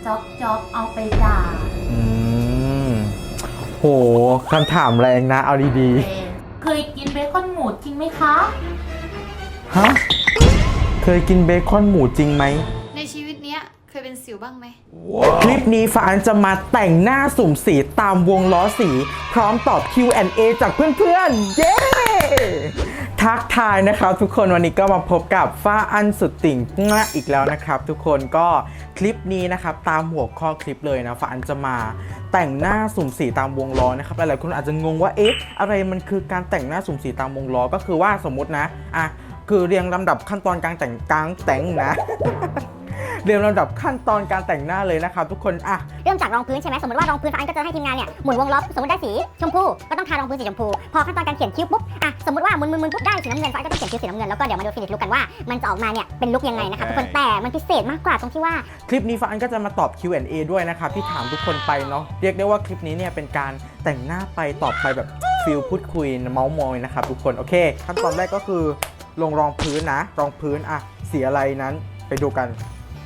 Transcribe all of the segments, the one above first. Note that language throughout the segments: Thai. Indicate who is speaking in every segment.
Speaker 1: จ๊อกเอาไปด่า
Speaker 2: อืมโหคำถามแรงนะเอาดี
Speaker 1: เคยกินเบคอนหมูจริงไหมคะ
Speaker 2: ๆฮะเคยกินเบคอนหมูจริงไหม
Speaker 3: ในชีวิตเนี้ยเคยเป็นสิวบ้างไหม
Speaker 2: คลิปนี้ฟ้าอันจะมาแต่งหน้าสุ่มสีตามวงล้อสี พร้อมตอบ Q&A จากเพื่อนๆ เย้ ทักทายนะครับทุกคนวันนี้ก็มาพบกับฟ้าอันสุดติ่งงะอีกแล้วนะครับทุกคนก็คลิปนี้นะครับตามหัวข้อคลิปเลยนะฟ้าอันจะมาแต่งหน้าสุ่มสีตามวงล้อนะครับหลายๆคนอาจจะงงว่าเอ๊ะอะไรมันคือการแต่งหน้าสุ่มสีตามวงล้อก็คือว่าสมมุตินะคือเรียงลำดับขั้นตอนการแต่งนะ เรียงลำดับขั้นตอนการแต่งหน้าเลยนะครับทุกคน
Speaker 4: เริ่มจากรองพื้นใช่ไหมสมมติว่ารองพื้นฟ้าอันก็จะให้ทีมงานเนี่ยหมุนวงล้อสมมติได้สีชมพูก็ต้องทารองพื้นสีชมพูพอขั้นตอนการเขียนคิ้วปุ๊บสมมติว่าหมุนปุ๊บได้สีน้ำเงินฟ้าก็ต้องเขียนคิ้วสีน้ำเงินแล้วก็เดี๋ยวมาดูฟินิชลุคกันว่ามันจะออกมาเนี่ยเป็นลุคยังไงนะครับทุกคนแต่มันพิเศษมากกว่าตรงที่ว่า
Speaker 2: คลิปนี้ฟ้าอันก็จะมาตอบ Q&A ด้วยนะครับที่ถามทุกคนไปเนาะเรียกได้ว่าคลิปนี้เนี่ยเป็นการแต่งหน้าไปตอบไปแบบฟิลพูดคุยเมาส์มอยนะครับทุกคนโอเคขั้นตอนแรกก็คือลงรองพื้นนะรองพื้นสีอะไรนั้นไปดูกัน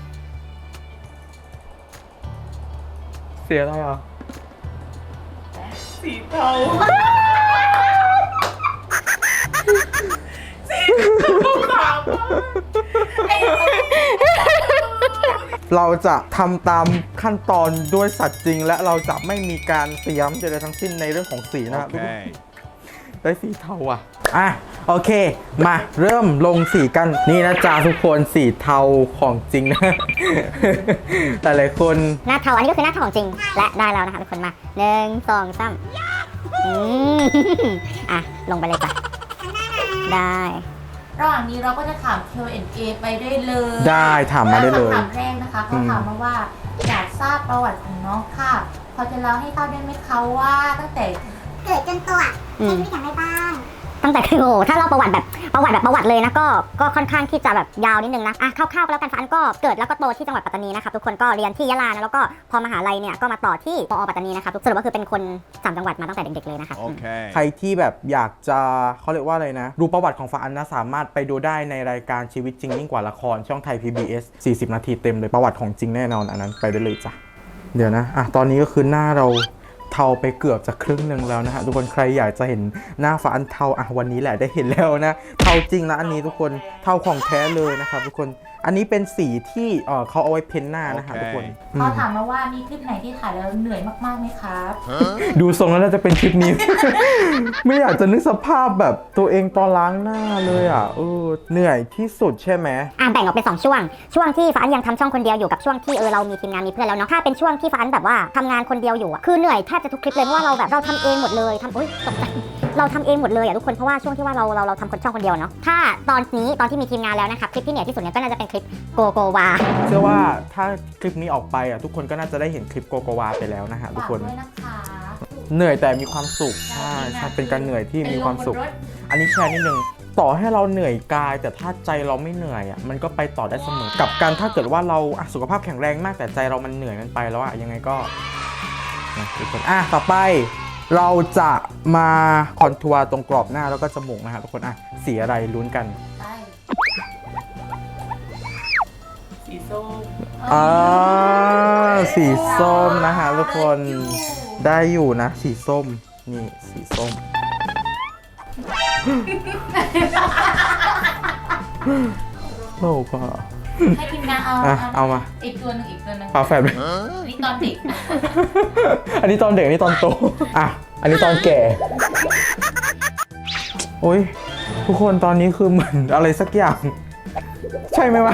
Speaker 2: เสียอะไร
Speaker 1: สีเทาสีขาว
Speaker 2: เราจะทำตามขั้นตอนด้วยสัตว์จริงและเราจะไม่มีการเตรียมใดๆทั้งสิ้นในเรื่องของสีนะครับได้สีเทาโอเคมาเริ่มลงสีกันนี่นะจ๊ะทุกคนสีเทาของจริงนะแต่หลายคน
Speaker 4: หน้าเทาอันนี้ก็คือหน้าเทาของจริงและได้แล้วนะคะทุกคนมา1 2 3ลงไปเลยจ้ะได้
Speaker 1: ระหว่างนี้เราก็จะถาม Q&A ไปได้เลย
Speaker 2: ได้ถามมาได้เลย
Speaker 1: คำถามแรกนะคะเขาถามมาว่าอยากทราบประวัติของน้องค่ะพอจะเล่าให้ทราบได้ไหมคะว่าตั้งแต่
Speaker 4: เกิดจนตัวใช้ชีวิตอย่างไรบ้างตั้งแต่คือถ้าเราประวัติเลยนะก็ค่อนข้างที่จะแบบยาวนิดนึงนะคร่าวๆก็แล้วกันฟ้าอันก็เกิดแล้วก็โตที่จังหวัดปัตตานีนะครับทุกคนก็เรียนที่ยะลานะแล้วก็พอมหาลัยเนี่ยก็มาต่อที่มอปัตตานีนะครับสรุปก็คือเป็นคน3จังหวัดมาตั้งแต่เด็กๆเลยนะครับ
Speaker 2: ใครที่แบบอยากจะเขาเรียกว่าอะไรนะดูประวัติของฟ้าอันนะสามารถไปดูได้ในรายการชีวิตจริงยิ่งกว่าละครช่องไทย PBS 40 นาทีเต็มเลยประวัติของจริงแน่นอนอันนั้นไปได้เลยจ้ะเดี๋ยวนะตอนนี้ก็คือหน้าเราเทาไปเกือบจะครึ่งหนึ่งแล้วนะฮะทุกคนใครอยากจะเห็นหน้าฟ้าอันเทาวันนี้แหละได้เห็นแล้วนะเทาจริงนะอันนี้ทุกคนเทาของแท้เลยนะครับทุกคนอันนี้เป็นสีที่เขาเอาไว้เพ้นหน้านะฮะทุกคน
Speaker 1: เขาถามมาว่ามีคลิปไหนที่ถ่ายแล้วเหนื่อยมากๆไหมครับ
Speaker 2: ดูทรงแล้วน่าจะเป็นคลิปนี้ ไม่อยากจะนึกสภาพแบบตัวเองตอนล้างหน้าเลยเหนื่อยที่สุดใช่ไหม
Speaker 4: แบ่งออกเป็น2ช่วงที่ฟ้าอันยังทำช่องคนเดียวอยู่กับช่วงที่เรามีทีมงานมีเพื่อนแล้วเนาะถ้าเป็นช่วงที่ฟ้าอันแบบว่าทำงานคนเดียวอยู่คือเหนื่อยแทบจะทุกคลิปเลยเพราะว่าเราทำเองหมดเลยตกใจเราทำเองหมดเลยทุกคนเพราะว่าช่วงที่ว่าเราทำช่องคนเดียวเนาะถ้าตอนที่มีทีมงานแล้วนะครับคลิปที่เหนื่อยที่สุดเนี่ยก็น่าจะเป็นคลิปโกวา
Speaker 2: เชื่อว่าถ้าคลิปนี้ออกไปทุกคนก็น่าจะได้เห็นคลิปโกวาไปแล้วนะฮะทุกคนเหนื่อยแต่มีความสุขใช่เป็นการเหนื่อยที่มีความสุขอันนี้แชร์นิดนึงต่อให้เราเหนื่อยกายแต่ถ้าใจเราไม่เหนื่อยมันก็ไปต่อได้เสมอกับการถ้าเกิดว่าเราสุขภาพแข็งแรงมากแต่ใจเรามันเหนื่อยมันไปแล้วยังไงก็ทุกคนต่อไปเราจะมาคอนทัวร์ตรงกรอบหน้าแล้วก็จมูกนะครับทุกคนสีอะไรลุ้นกัน
Speaker 1: สีส้ม
Speaker 2: สีส้มนะฮะทุกคนได้อยู่นะสีส้มนี่สีส้มโลกก็
Speaker 1: ให้ทีมงาน
Speaker 2: เอามา
Speaker 1: อีกตัวหนึ่ง
Speaker 2: ฝาแฝด
Speaker 1: นี่ตอนเด็ก
Speaker 2: อันนี้ตอนเด็กอันนี้ตอนโตอันนี้ตอนแก่โอ้ยทุกคนตอนนี้คือเหมือนอะไรสักอย่างใช่ไหมวะ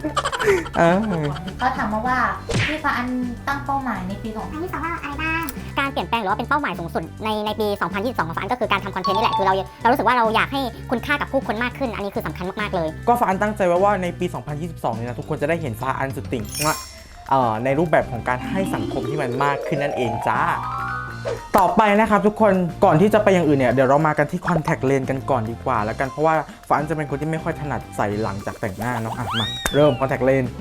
Speaker 1: เขาถามมาว่าพี่ฟ้าอันตั้งเป้าหมายในปี2022
Speaker 4: ว่าอะไรบ้างการเปลี่ยนแปลงหรือว่าเป็นเป้าหมายสูงสุดในปี 2022 ของฟ้าอันก็คือการทำคอนเทนต์นี่แหละคือเรารู้สึกว่าเราอยากให้คุณค่ากับผู้คนมากขึ้นอันนี้คือสำคัญมากๆเลย
Speaker 2: ก็ฟ้าอันตั้งใจไว้ว่าในปี 2022 เนี่ยนะทุกคนจะได้เห็นฟ้าอันสุดติ่งในรูปแบบของการให้สังคมที่มันมากขึ้นนั่นเองจ้าต่อไปนะครับทุกคนก่อนที่จะไปอย่างอื่นเนี่ยเดี๋ยวเรามากันที่คอนแทคเลนส์กันก่อนดีกว่าแล้วกันเพราะว่าฟ้าอันจะเป็นคนที่ไม่ค่อยถนัดใส่หลังจากแต่งหน้าเนาะมาเริ่มคอนแทคเลนส์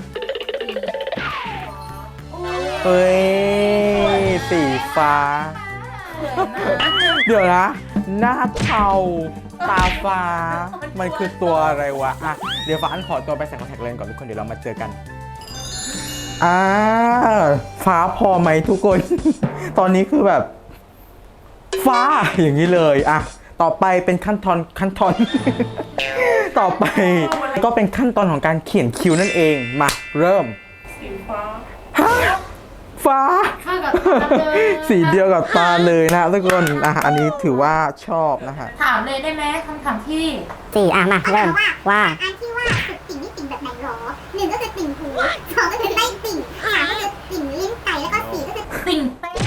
Speaker 2: เฮ้ยสีฟ้าเดี๋ยวนะหน้าเทาตาฟ้ามันคือตัวอะไรวะเดี๋ยวฟ้าอันขอตัวไปใส่คอนแทคเลนส์ก่อนทุกคนเดี๋ยวเรามาเจอกันฟ้าพอไหมทุกคน ตอนนี้คือแบบ ฟ้าอย่างนี้เลยอ่ะต่อไปเป็นขั้นตอน ต่อไปก็เป็นขั้นตอนของการเขียนคิ้วนั่นเองมาเริ่มสีฟ้าฟ้า
Speaker 1: เข้ากับตาเลย
Speaker 2: สีเดียวกับตาเลยนะทุกคนอันนี้ถือว่าชอบนะฮะ
Speaker 1: ถามเลยได้ไหมคำถามที่
Speaker 4: สี่มาเริ่มว่า
Speaker 5: อันที่ว่าสุดติ่งนี่ติ่งแบบไหนหรอหนึ่งก็คือติ่งหูสองก็คือไส้ติ่งสามก็คือติ่งลิ้นไก่แล้วก็สี่ก็คือ
Speaker 1: ติ่งเต้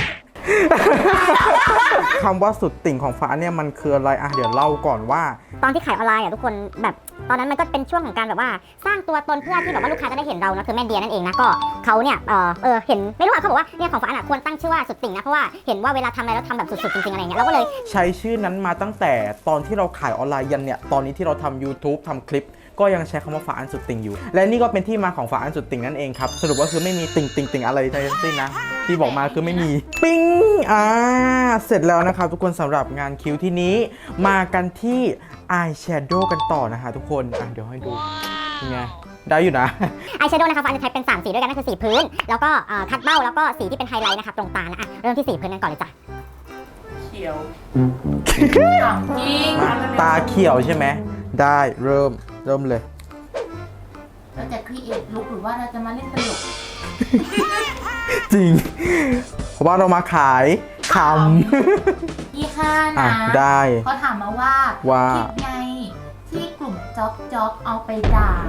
Speaker 2: คำว่าสุดติ่งของฟ้าเนี่ยมันคืออะไรเดี๋ยวเล่าก่อนว่า
Speaker 4: ตอนที่ขายออนไลน์ทุกคนแบบตอนนั้นมันก็เป็นช่วงของการแบบว่าสร้างตัวตนเพื่อที่แบบว่าลูกค้าจะได้เห็นเรานะคือแม่เดียนั่นเองนะก็เขาเนี่ยเห็นไม่รู้ว่าเขาบอกว่าเนี่ยของฟ้าควรตั้งชื่อว่าสุดติ่งนะเพราะว่าเห็นว่าเวลาทำอะไรแล้วทำแบบสุดๆจริงๆอะไรเงี้ยเราก็เลย
Speaker 2: ใช้ชื่อนั้นมาตั้งแต่ตอนที่เราขายออนไลน์ยันเนี่ยตอนนี้ที่เราทำ YouTube ทำคลิปก็ยังใช้คำว่าฟ้าอันสุดติ่งอยู่และนี่ก็เป็นที่มาของฟ้าอันสุดติ่งนั่นเองครับสรุปว่าคือไม่มีติ่งอะไรทั้งสิ้นนะที่บอกมาคือไม่มีปิ้งเสร็จแล้วนะครับทุกคนสำหรับงานคิ้วที่นี้มากันที่อายแชโดว์กันต่อนะฮะทุกคนเดี๋ยวให้ดูยังไงได้อยู่นะ
Speaker 4: อายแชโดว์นะคะฟ้าจะใช้เป็น3สีด้วยกันนั่นคือสีพื้นแล้วก็คัดเบ้าแล้วก็สีที่เป็นไฮไลท์นะคะตรงตานะเริ่มที่สีพื้นกันก่อนเลยจ้ะ
Speaker 1: เขียวถามจริง
Speaker 2: ตาเขียวใช่ไหมได้เริ่มเลย
Speaker 1: เราจะครีเอทลุคหรือว่าเราจะมาเล่นตลก
Speaker 2: จริง เพราะว่าเรามาขายค
Speaker 1: ยี่ห้า
Speaker 2: อ่ะ
Speaker 1: นะ
Speaker 2: ได้
Speaker 1: เขาถามมาว่า
Speaker 2: ว่า
Speaker 1: คลิปไงที่กลุ่มจ๊อกเอาไปด่า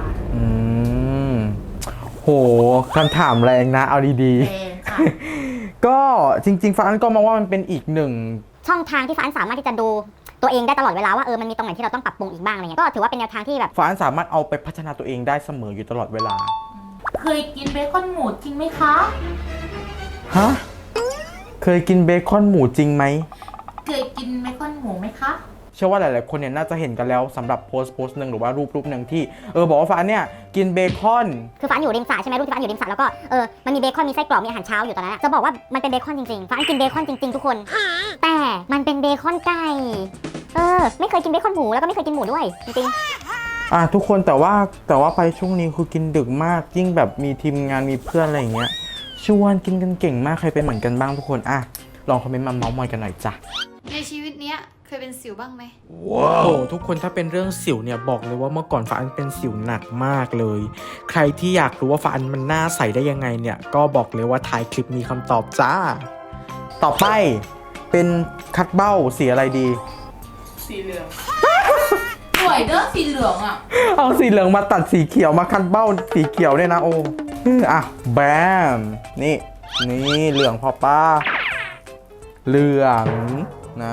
Speaker 2: โหคำถามแรงนะเอาดี
Speaker 1: เองค่ะ
Speaker 2: ๆ ก็จริงๆฟ้าอันก็มองว่ามันเป็นอีกหนึ่ง
Speaker 4: ช่องทางที่ฟ้าสามารถที่จะดูตัวเองได้ตลอดเวลาว่ามันมีตรงไหนที่เราต้องปรับปรุงอีกบ้างอะไรเงี้ยก็ถือว่าเป็นแนวทางที่แบบ
Speaker 2: ฟ้าอันสามารถเอาไปพัฒนาตัวเองได้เสมออยู่ตลอดเวลา
Speaker 1: เคยกินเบคอนหมูจริงไหมคะ
Speaker 2: ฮะ เคยกินเบคอนหมูจริงไหม
Speaker 1: เคยกินเบคอนหมูไหมคะ
Speaker 2: เชื่อว่าหลายๆคนเนี่ยน่าจะเห็นกันแล้วสำหรับโพสต์หนึ่งหรือว่ารูปหนึ่งที่บอกว่าฟ้าเนี่ยกินเบคอน
Speaker 4: คือฟ้าอยู่ริมสระใช่ไหมรูปที่ฟ้าอยู่ริมสระแล้วก็มันมีเบคอนมีไส้กรอกมีอาหารเช้าอยู่ตอนนั้นจะบอกว่ามันเป็นเบคอนจริงๆฟ้ากินเบคอนจริงๆทุกคนแต่มันเป็นเบคอนไก่ไม่เคยกินเบคอนหมูแล้วก็ไม่เคยกินหมูด้วยจริงๆ
Speaker 2: ทุกคนแต่ว่าไปช่วงนี้คือกินดึกมากยิ่งแบบมีทีมงานมีเพื่อนอะไรอย่างเงี้ยชวนกินกันเก่งมากใครเป็นเหมือนกันบ้างทุกคนลองคอมเมนต์มาเมาส์มอยกันหน่อยจ้ะ
Speaker 3: ในชีวิตเนี้ยเคยเป็นสิวบ้างไหม
Speaker 2: ว้าวทุกคนถ้าเป็นเรื่องสิวเนี่ยบอกเลยว่าเมื่อก่อนฟ้าอันเป็นสิวหนักมากเลยใครที่อยากรู้ว่าฟ้าอันมันหน้าใสได้ยังไงเนี่ยก็บอกเลยว่าท้ายคลิปมีคำตอบจ้าต่อไปเป็นคัดเบ้าสีอะไรดี
Speaker 1: สีเหลือง สวยเด้อสีเหลืองอ่ะ
Speaker 2: เอาสีเหลืองมาตัดสีเขียวมาคัดเบ้าสีเขียวเนี่ยนะโอ้แบมนี่เหลืองพอป้าเหลืองนะ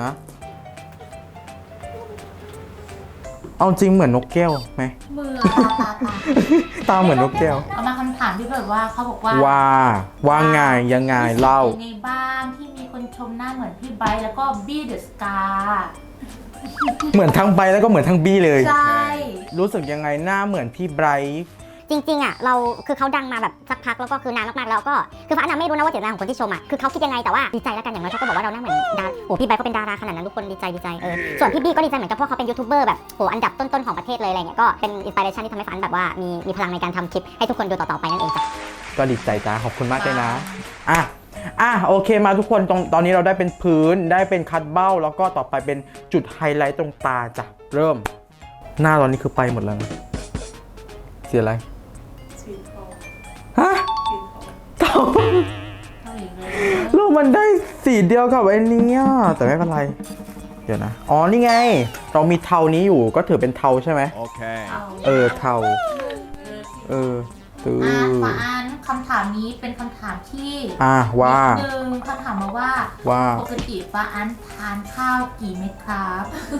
Speaker 2: เอาจริงเหมือนนกแก้วไหม
Speaker 1: มือตา
Speaker 2: ตาเหมือนนกแก้ว
Speaker 1: เอามาคำถามที่แบบว่าเขาบอกว่า
Speaker 2: ว่าไงยังไงเล่า
Speaker 1: ในบ้านที่มีคนชมหน้าเหมือนพี่ไบร์ทแล้วก็บี้เดอะสกา
Speaker 2: เหมือนทั้งใบแล้วก็เหมือนทั้งบี้เลย
Speaker 1: ใช่
Speaker 2: รู้สึกยังไงหน้าเหมือนพี่ไบรท์
Speaker 4: จริงๆเราคือเขาดังมาแบบสักพักแล้วก็คือนานมากๆแล้วก็คือฟ้าไม่รู้นะว่าเจตนาของคนที่ชมคือเขาคิดยังไงแต่ว่าดีใจแล้วกันอย่างน้อยเขาก็บอกว่าเราหน้าเหมือนดาราพี่ไบร์ทก็เป็นดาราขนาดนั้นทุกคนดีใจส่วนพี่บี้ก็ดีใจเหมือนกันเพราะเขาเป็นยูทูบเบอร์แบบอันดับต้นๆของประเทศเลยอะไรเงี้ยก็เป็นอินสปิเรชันที่ทำให้ฟ้าแบบว่ามีพลังในการทำคลิปให้ทุกคนดูต่อๆไปนั่นเองจ้ะ
Speaker 2: ก็ดีใจจ้าขอบคุณมากเลยนะโอเคมาทุกคนตอนนี้เราได้เป็นพื้นได้เป็นคัดเบ้าแล้วก็ต่อไปเป็นจุดไฮไลท์ตรงตาจ้ะเริ่ม หน้าตอนนี้คือไปหมดแล้วนะสีอะไรสีทองฮะทองแล้วมันได้สีเดียวกับไอ้นี้แต่ไม่เป็นไรเดี๋ยวนะนี่ไงเรามีเทานี้อยู่ก็ถือเป็นเทาใช่ไหมโอเคเทา
Speaker 1: ฟ้าอันคำถามนี้เป็นคำถามที่
Speaker 2: ว่า
Speaker 1: หนึ่งเขาถามมาว่าปกติฟ้าอันทานข้าวกี่เม็ดครับ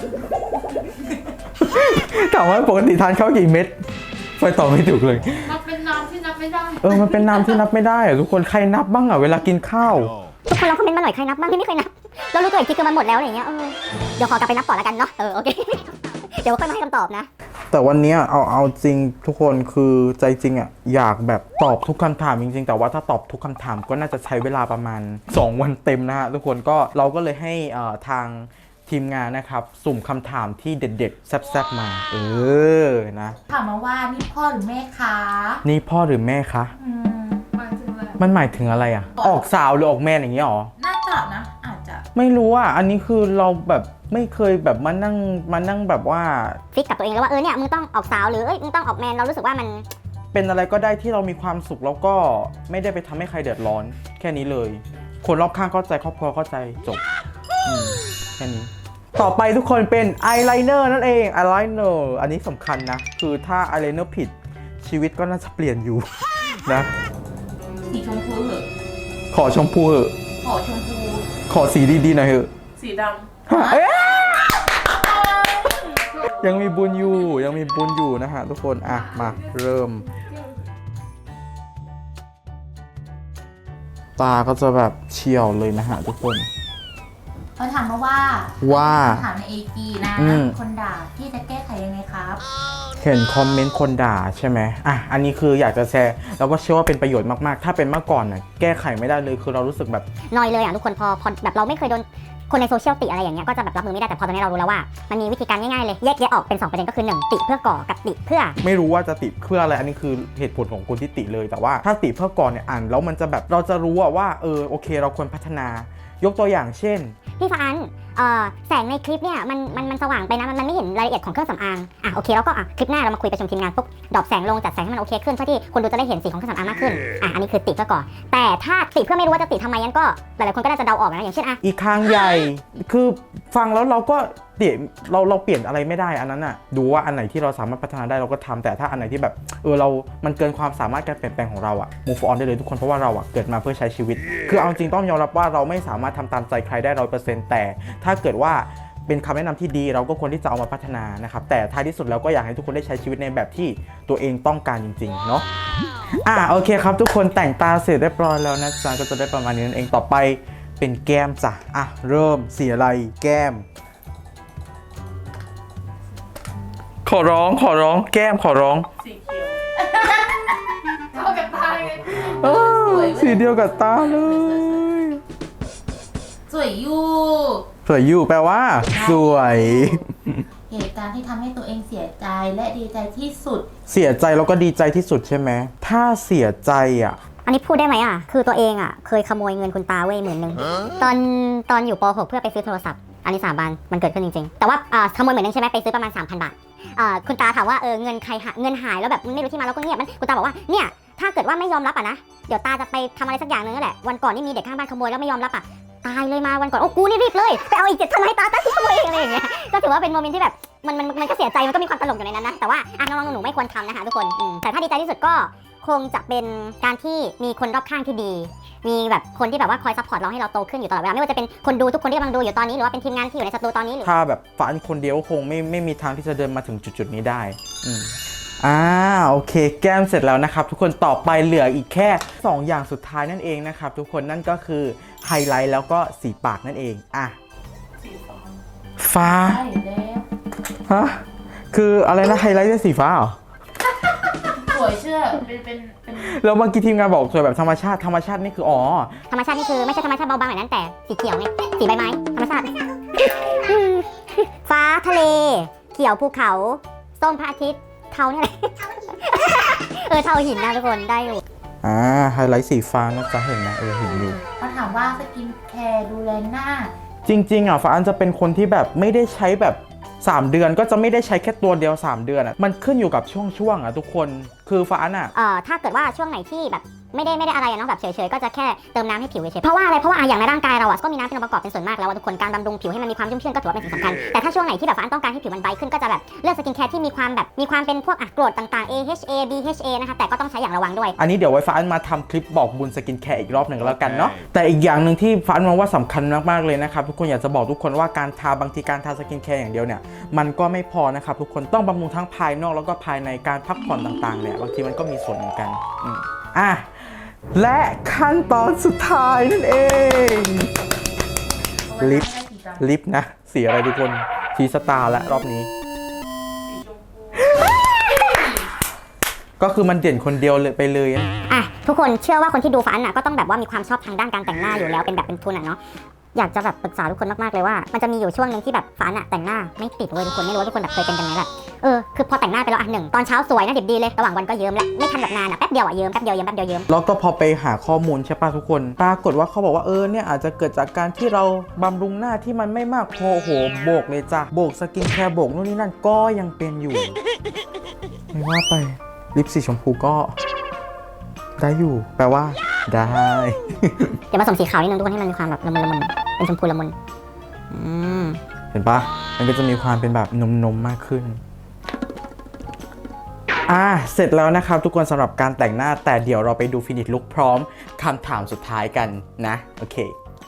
Speaker 2: ถามว่าปกติทานข้าวกี่เม็ดไปต่อไม่ถูกเลย
Speaker 1: มันเป็นน้ำที่นับไม่ได้
Speaker 2: มันเป็นน้ำที่นับไม่ได้ทุกคนใครนับบ้างเวลากินข้าว
Speaker 4: ทุกคนลองคอมเมนต์มาหน่อยใครนับบ้างที่ไม่เคยนับเรารู้ตัวอีกทีคือมันหมดแล้วอะไรเงี้ยเดี๋ยวขอกลับไปนับก่อนแล้วกันเนาะโอเค เดี๋ยวค่อยมาให้คำตอบนะ
Speaker 2: แต่วันนี้เอาจริงทุกคนคือใจจริงอยากแบบตอบทุกคำถามจริงๆแต่ว่าถ้าตอบทุกคำถามก็น่าจะใช้เวลาประมาณ2 วันเต็มนะฮะทุกคนก็เราก็เลยให้ทางทีมงานนะครับสุ่มคำถามที่เด็ดๆแซ่บๆมานะ
Speaker 1: ถามมาว่านี่พ่อหรือแม่คะ
Speaker 2: นี่พ่อหรือแม่คะ
Speaker 1: หมายถึง
Speaker 2: มันหมายถึงอะไรอ่ะ ออกสาวหรือออกแมนอย่างนี้หรอ
Speaker 1: น่าจะนะอาจจะ
Speaker 2: ไม่รู้อ่ะอันนี้คือเราแบบไม่เคยแบบมานั่งแบบว่า
Speaker 4: ฟิกกับตัวเองแล้วว่าเนี่ยมึงต้องออกสาวหรือมึงต้องออกแมนเรารู้สึกว่ามัน
Speaker 2: เป็นอะไรก็ได้ที่เรามีความสุขแล้วก็ไม่ได้ไปทำให้ใครเดือดร้อน แค่นี้เลย คนรอบข้างเข้าใจครอบครัวเข้าใจจบแค่นี้ ต่อไปทุกคนเป็นอายไลเนอร์นั่นเองอายไลเนอร์อันนี้สำคัญนะคือถ้าอายไลเนอร์ผิดชีวิตก็น่าจะเปลี่ยนอยู่ นะ
Speaker 1: สีชมพูเหอะ
Speaker 2: ขอชมพูเหอะ
Speaker 1: ขอชมพู
Speaker 2: ขอสีดีๆหน่อยเหอะ
Speaker 1: สีด
Speaker 2: เอ๊ะยังมีบุญอยู่นะฮะทุกคนอ่ะมาเริ่ม ตาก็จะแบบเฉียวเลยนะฮะทุกคน
Speaker 1: ำเขาถามมาว่า ถามในAGนะ คนด่าที่จะแก้ไขยังไงครับ
Speaker 2: เห็นคอมเมนต์คนด่าใช่ไหมอ่ะอันนี้คืออยากจะแชร์แล้วก็เชื่อว่าเป็นประโยชน์มากๆถ้าเป็นเมื่อก่อนน่ะแก้ไขไม่ได้เลยคือเรารู้สึกแบบ
Speaker 4: นอยเลยทุกคนพอแบบเราไม่เคยโดนคนในโซเชียลติอะไรอย่างเงี้ยก็จะแบบรับมือไม่ได้แต่พอตอนนี้เรารู้แล้วว่ามันมีวิธีการง่ายๆเลยแยกออกเป็น2ประเด็นก็คือ1ติเพื่อก่อกับติเพื่อ
Speaker 2: ไม่รู้ว่าจะติเพื่ออะไรอันนี้คือเหตุผลของคนที่ติเลยแต่ว่าถ้าติเพื่อก่อนเนี่ยอ่านแล้วมันจะแบบเราจะรู้ว่าโอเคเราควรพัฒนายกตัวอย่างเช่น
Speaker 4: พี่ฟ้าอันแสงในคลิปเนี่ยมันสว่างไปนะมันไม่เห็นรายละเอียดของเครื่องสำอางโอเคแล้วก็คลิปหน้าเรามาคุยประชุมทีมงานปุ๊บดรอปแสงลงจัดแสงให้มันโอเคขึ้นเพื่อที่คนดูจะได้เห็นสีของเครื่องสำอางมากขึ้นอันนี้คือติเพื่อก่อนแต่ถ้าติเพื่อไม่รู้ว่าจะติทำไมงั้นก็หลายๆคนก็น่าจะเดาออกนะอย่างเช่น
Speaker 2: อีกข้างใหญ่คือฟังแล้วเราก็เราเปลี่ยนอะไรไม่ได้อันนั้นน่ะดูว่าอันไหนที่เราสามารถพัฒนาได้เราก็ทำแต่ถ้าอันไหนที่แบบมันเกินความสามารถการเปลี่ยนแปลงของเราอะ move on ได้เลยทุกคนเพราะว่าเราอะเกิดมาเพื่อใช้ชีวิตคือเอาจริงต้องยอมรับว่าเราไม่สามารถทำตามใจใครได้ 100% แต่ถ้าเกิดว่าเป็นคำแนะนำที่ดีเราก็ควรที่จะเอามาพัฒนานะครับแต่ท้ายที่สุดแล้วก็อยากให้ทุกคนได้ใช้ชีวิตในแบบที่ตัวเองต้องการจริงๆเนาะโอเคครับทุกคนแต่งตาเสร็จเรียบร้อยแล้วนะจ๊ะก็จะได้ประมาณนี้นั่นเองต่อไปเป็นแก้มจ้ะเริ่มสีอะไรแก้มขอร้องแก้มขอร้อง
Speaker 1: สีเขียวเข้ากับตาเลย
Speaker 2: สีเดียวกับตาเลย
Speaker 1: สวยอยู่
Speaker 2: สวยอยู่แปลว่าสวย
Speaker 1: เหตุการณ์ที่ทำให้ตัวเองเสียใจและดีใจที่สุด
Speaker 2: เสียใจแล้วก็ดีใจที่สุดใช่ไหมถ้าเสียใจ
Speaker 4: อันนี้พูดได้ไหมคือตัวเองเคยขโมยเงินคุณตาเว้ย10,000ตอนอยู่ป .6 เพื่อไปซื้อโทรศัพท์อันนี้สาบานมันเกิดขึ้นจริงๆแต่ว่าขโมย10,000ใช่ไหมไปซื้อประมาณ 3,000 บาทคุณตาถามว่าเงินใครเงินหายแล้วแบบไม่รู้ที่มาแล้วก็เงียบคุณตาบอกว่าเนี่ยถ้าเกิดว่าไม่ยอมรับนะเดี๋ยวตาจะไปทำอะไรสักอย่างนึงนั่นแหละวันก่อนนี่มีเด็กข้างบ้านขโมยแล้วไม่ยอมรับตายเลยมาวันก่อนโอ้กูนี่รีบเลยไปเอาอีก7,000ให้ตาที่ขโมยเองอะไรอย่างเงี้ยก็ถือว่าเป็นโมเมนต์ที่แบบมันก็เสียใจมันก็มีความตลกอยู่ในนั้นนะแต่ว่าน้องๆหนูๆไม่ควรทำนะคะทุกคนแต่ถ้าดีใจที่สุดก็คงจะเป็นการที่มีคนรอบข้างที่ดีมีแบบคนที่แบบว่าคอยซัพพอร์ตเราให้เราโตขึ้นอยู่ตลอดเวลาไม่ว่าจะเป็นคนดูทุกคนที่กำลังดูอยู่ตอนนี้หรือว่าเป็นทีมงานที่อยู่ในสตูตอนนี้หรือ
Speaker 2: ถ้าแบบฝันคนเดียวคงไม่มีทางที่จะเดินมาถึงจุดนี้ได้โอเคแก้มเสร็จแล้วนะครับทุกคนต่อไปเหลืออีกแค่2อย่างสุดท้ายนั่นเองนะครับทุกคนนั่นก็คือไฮไลท์แล้วก็สีปากนั่นเอง
Speaker 1: สี
Speaker 2: ฟ้า
Speaker 1: ใช่แล้ว
Speaker 2: ฮะคืออะไรนะไฮไลท์เป็นสีฟ้าเหรอ
Speaker 1: สวยเชื่อเป็น
Speaker 2: แล้วเมื่อกี้ทีมงานบอกสวยแบบธรรมชาตินี่คือ
Speaker 4: ธรรมชาตินี่คือไม่ใช่ธรรมชาติเบาบางแบบนั้นแต่สีเขียวไงสีใบไม้ธรรมชาติ ฟ้าทะเลเขียวภูเขาส้มพระอาทิตย์เทาเนี่ยเทาหินนะทุกคนได้อยู่
Speaker 2: ไฮไลท์สีฟ้านะจ๊ะเห็นนะเห็นอยู่
Speaker 1: เขาถามว่าสกินแคร์ดูแลหน้า
Speaker 2: จริงๆฟ้าอันจะเป็นคนที่แบบไม่ได้ใช้แบบ3 เดือนก็จะไม่ได้ใช้แค่ตัวเดียว3 เดือนมันขึ้นอยู่กับช่วงทุกคนคือฟ้าอัน
Speaker 4: ถ้าเกิดว่าช่วงไหนที่แบบไม่ได้อะไรเนาะแบบเฉยๆก็จะแค่เติมน้ำให้ผิวเฉยๆเพราะว่าอะไรเพราะว่าอย่างในร่างกายเราก็มีน้ำเป็นองค์ประกอบเป็นส่วนมากแล้วทุกคนการบำรุงผิวให้มันมีความชุ่มชื่นก็ถือว่าเป็นสิ่งสำคัญแต่ถ้าช่วงไหนที่แบบฟ้าต้องการให้ผิวมันไบรท์ขึ้นก็จะแบบเลือกสกินแคร์ที่มีความเป็นพวกกรดต่างๆ AHA BHA นะคะแต่ก็ต้องใช้อย่างระวังด้วย
Speaker 2: อันนี้เดี๋ยวไว้ฟ้าอันมาทำคลิปบอกบุญสกินแคร์อีกรอบหนึ่งแล้วกันเนาะแต่อีกอย่างหนึ่งที่ฟ้าอันมองว่าสำคัญมากๆเลยนะครับทุกคนอยากจะบอกทุกคนว่าบางทีการทาสกินแคร์อย่างเดียวเนี่ยมันก็ไม่พอนะครับทุกคนต้องบำรุงทั้งภายนอกแล้วก็ภายในการพักผ่อนต่างๆเนี่ยบางทีมันก็มีส่วนเหมือนกันและขั้นตอนสุดท้ายนั่นเองลิปนะสีอะไรทุกคนสีสตาร์และรอบนี้ก็คือมันเด่นคนเดียวเลยไปเลย
Speaker 4: ทุกคนเชื่อว่าคนที่ดูฟ้าอันก็ต้องแบบว่ามีความชอบทางด้านการแต่งหน้าอยู่แล้วเป็นแบบเป็นทุนเนาะอยากจะแบบปรึกษาทุกคนมากๆเลยว่ามันจะมีอยู่ช่วงหนึ่งที่แบบฟ้าอะแต่งหน้าไม่ติดเว้ยทุกคนไม่รู้ว่าทุกคนแบบเคยเป็นกันไหมแบบคือพอแต่งหน้าไปแล้วหนึ่งตอนเช้าสวยนะดิบดีเลยระหว่างวันก็เยิ้มแล้วไม่ทันแบบนานอะแป๊บเดียวอะเยิ้มแป๊บเดียวเยิ้มแป๊บเดียวเยิ้ม
Speaker 2: แล้วก็พอไปหาข้อมูลใช่ป่ะทุกคนปรากฏว่าเขาบอกว่าเนี่ยอาจจะเกิดจากการที่เราบำรุงหน้าที่มันไม่มากพอโอ้โหโบกเลยจ้ะโบกสกินแคร์โบกนู่นนี่นั่นก็ยังเป็นอยู่ ไม่ว่าไปลิปสีชมพูก็ได้อยู่แปลว่าได้
Speaker 4: เดี๋ยวผสมสีขาวนิดนึงทุกคนให้มันมีความแบบละมุนเป็นชมพูละมุน
Speaker 2: เห็นปะมันก็จะมีความเป็นแบบนมมากขึ้นเสร็จแล้วนะครับทุกคนสำหรับการแต่งหน้าแต่เดี๋ยวเราไปดูฟินิชลุคพร้อมคำถามสุดท้ายกันนะโอเค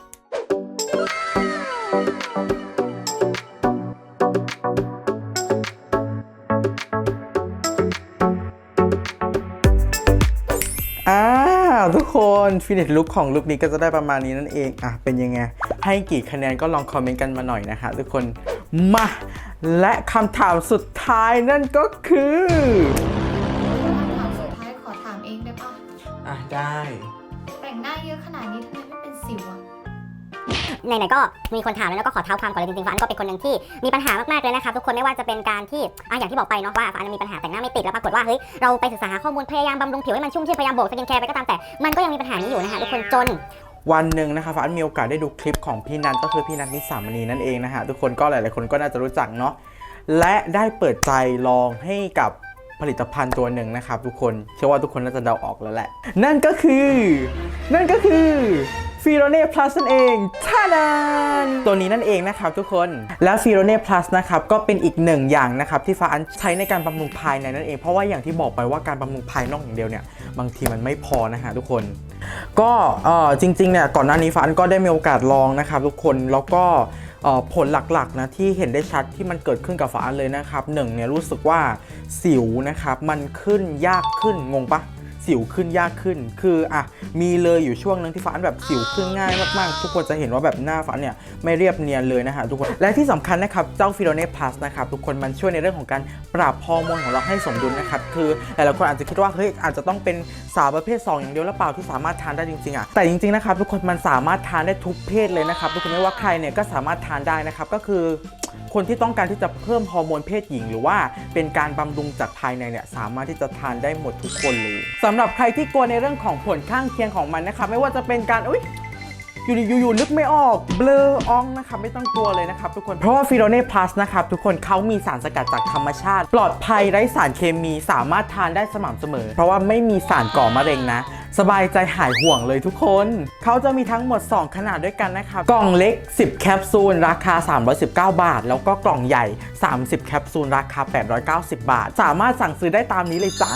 Speaker 2: ทุกคนฟินิชลุคของลุคนี้ก็จะได้ประมาณนี้นั่นเองเป็นยังไงให้กี่คะแนนก็ลองคอมเมนต์กันมาหน่อยนะฮะทุกคนมาและคำถามสุดท้ายนั่นก็คือ
Speaker 3: คำถามสุดท้ายขอถามเองได้ปะ
Speaker 2: ได้
Speaker 3: แต่งหน้าเยอะขนาดนี้ทำไมไม่เป็นสิวอะ
Speaker 4: ไหนๆก็มีคนถามแล้วก็ขอเท้าความก่อนเลยจริงๆฟ้าก็เป็นคนหนึ่งที่มีปัญหามากๆเลยนะครับทุกคนไม่ว่าจะเป็นการที่อย่างที่บอกไปเนาะว่าฟ้ามีปัญหาแต่งหน้าไม่ติดแล้วปรากฏว่าเฮ้ยเราไปศึกษาหาข้อมูลพยายามบำรุงผิวให้มันชุ่มชื่นพยายามโบกสกินแคร์ไปก็ตามแต่มันก็ยังมีปัญหานี้อยู่นะคะทุกคนจน
Speaker 2: วันหนึ่งนะคะฟ้ามีโอกาสได้ดูคลิปของพี่นันก็คือพี่นันนิสามณีนั่นเองนะฮะทุกคนก็หลายๆคนก็น่าจะรู้จักเนาะและได้เปิดใจลองให้กับผลิตภัณฑ์ตัวหนึ่งนะครับทุกคนเชื่อว่าทุกคนน่าจะเดาออกแล้วแหละนั่นก็คือฟิโรเน่ plus นั่นเองท่านันตัวนี้นั่นเองนะครับทุกคนและฟิโรเน่ plus นะครับก็เป็นอีกหนึ่งอย่างนะครับที่ฟ้าอันใช้ในการบำรุงภายในนั่นเองเพราะว่าอย่างที่บอกไปว่าการบำรุงภายนอกอย่างเดียวเนี่ยบางทีมันไม่พอนะฮะทุกคนก็จริงๆเนี่ยก่อนหน้านี้ฟ้าอันก็ได้มีโอกาสลองนะครับทุกคนแล้วก็ผลหลักๆนะที่เห็นได้ชัดที่มันเกิดขึ้นกับฟ้าอันเลยนะครับหนึ่งเนี่ยรู้สึกว่าสิวนะครับมันขึ้นยากขึ้นงงปะสิวขึ้นยากขึ้นคือมีเลยอยู่ช่วงนึงที่ฟ้าแบบสิวขึ้นง่ายมากๆทุกคนจะเห็นว่าแบบหน้าฟ้าเนี่ยไม่เรียบเนียนเลยนะฮะทุกคนและที่สำคัญนะครับเจ้าฟิโรเน่ plus นะครับทุกคนมันช่วยในเรื่องของการปรับฮอร์โมนของเราให้สมดุลนะครับคือหลายๆคนอาจจะคิดว่าเฮ้ยอาจจะต้องเป็นสาวประเภท2อย่างเดียวหรือเปล่าที่สามารถทานได้จริงๆแต่จริงๆนะครับทุกคนมันสามารถทานได้ทุกเพศเลยนะครับทุกคนไม่ว่าใครเนี่ยก็สามารถทานได้นะครับก็คือคนที่ต้องการที่จะเพิ่มฮอร์โมนเพศหญิงหรือว่าเป็นการบำรุงจากภายในเนี่ยสามารถที่จะทานได้หมดทุกคนเลยสำหรับใครที่กลัวในเรื่องของผลข้างเคียงของมันนะครับไม่ว่าจะเป็นการอยู่นึกไม่ออกเบลอองนะครับไม่ต้องกลัวเลยนะครับทุกคนเพราะว่าฟิโรเน่ plus นะครับทุกคนเขามีสารสกัดจากธรรมชาติปลอดภัยไร้สารเคมีสามารถทานได้สม่ำเสมอเพราะว่าไม่มีสารก่อมะเร็งนะสบายใจหายห่วงเลยทุกคนเขาจะมีทั้งหมด2ขนาดด้วยกันนะครับกล่องเล็ก10แคปซูลราคา319 บาทแล้วก็กล่องใหญ่30แคปซูลราคา890 บาทสามารถสั่งซื้อได้ตามนี้เลยจ้า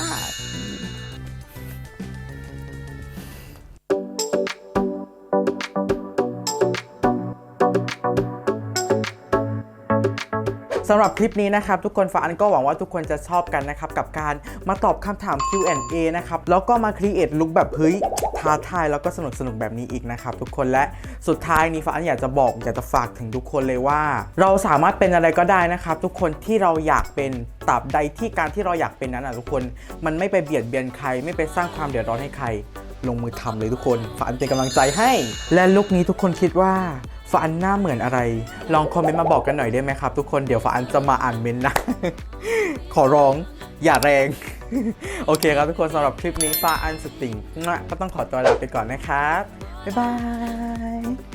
Speaker 2: สำหรับคลิปนี้นะครับทุกคนฟ้าอันก็หวังว่าทุกคนจะชอบกันนะครับกับการมาตอบคำถาม Q&A นะครับแล้วก็มาครีเอทลุคแบบเฮ้ยท้าทายแล้วก็สนุกแบบนี้อีกนะครับทุกคนและสุดท้ายนี้ฟ้าอันอยากจะฝากถึงทุกคนเลยว่าเราสามารถเป็นอะไรก็ได้นะครับทุกคนที่เราอยากเป็นตราบใดที่การที่เราอยากเป็นนั้นทุกคนมันไม่ไปเบียดเบียนใครไม่ไปสร้างความเดือดร้อนให้ใครลงมือทำเลยทุกคนฟ้าอันเป็นกำลังใจให้และลุคนี้ทุกคนคิดว่าฟ้าอันหน้าเหมือนอะไรลองคอมเมนต์มาบอกกันหน่อยได้ไหมครับทุกคนเดี๋ยวฟ้าอันจะมาอ่านเมนต์นะ ขอร้องอย่าแรง โอเคครับทุกคนสำหรับคลิปนี้ฟ้าอันสติงก็ต้องขอตัวลาไปก่อนนะครับบ๊ายบาย